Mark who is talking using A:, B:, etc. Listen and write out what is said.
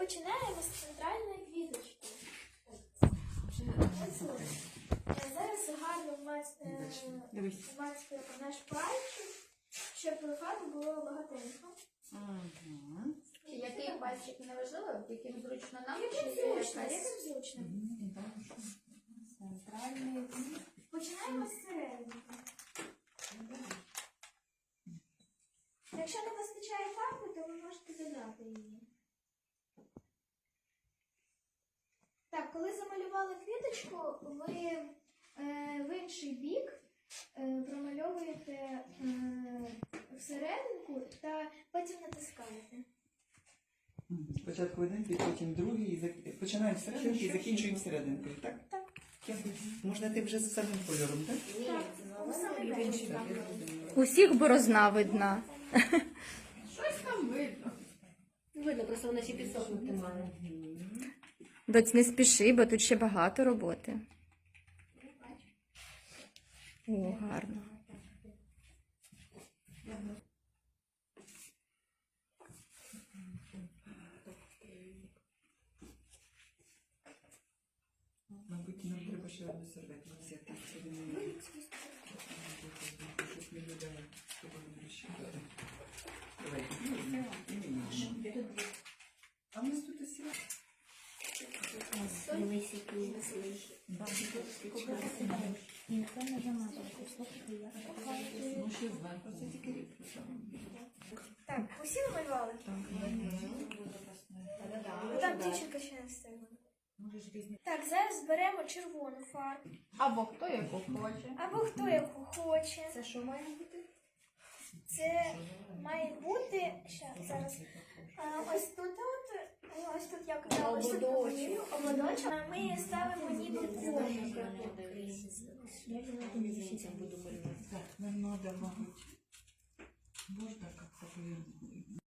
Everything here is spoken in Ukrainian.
A: починаємо з центральної квіточки. Зараз гарно вмацькуємо наш пальчик, щоб фарби було багатенько.
B: Який пальчик не важливо, яким зручно нам?
A: Яким зручно.
B: Центральний.
A: Починаємо з середини. Якщо не вистачає фарби, то ви можете додати її. Так, коли замалювали квіточку, ви в інший бік промальовуєте всерединку та потім натискаєте.
C: Спочатку один бік, потім другий, починаємо з серединки і закінчуємо серединкою, так?
A: Так.
C: Можна ти вже з самим кольором, так?
A: Так, саме перше.
D: Усіх борозна видна.
B: Щось там видно.
E: Видно, просто вона ще підсохнути має.
D: Доць, не спіши, бо тут ще багато роботи. О, гарно.
C: Мабуть, нам треба ще одну серветку взяти. Щось не видає. Давай, а в нас тут і сіла. Ну, ще зверху, це тільки рідко.
A: Так, усі намалювали? Так, дівчинка ще не встигла. Так, зараз беремо червону фарбу.
B: Або хто яку хоче.
A: Або хто яку хоче.
E: Це що має бути?
A: Це має бути, зараз, ось тут я казала, ось тут ободочок. Ми ставимо ніби комик.
C: Так, нам надо, мабуть, можна як-то повернути.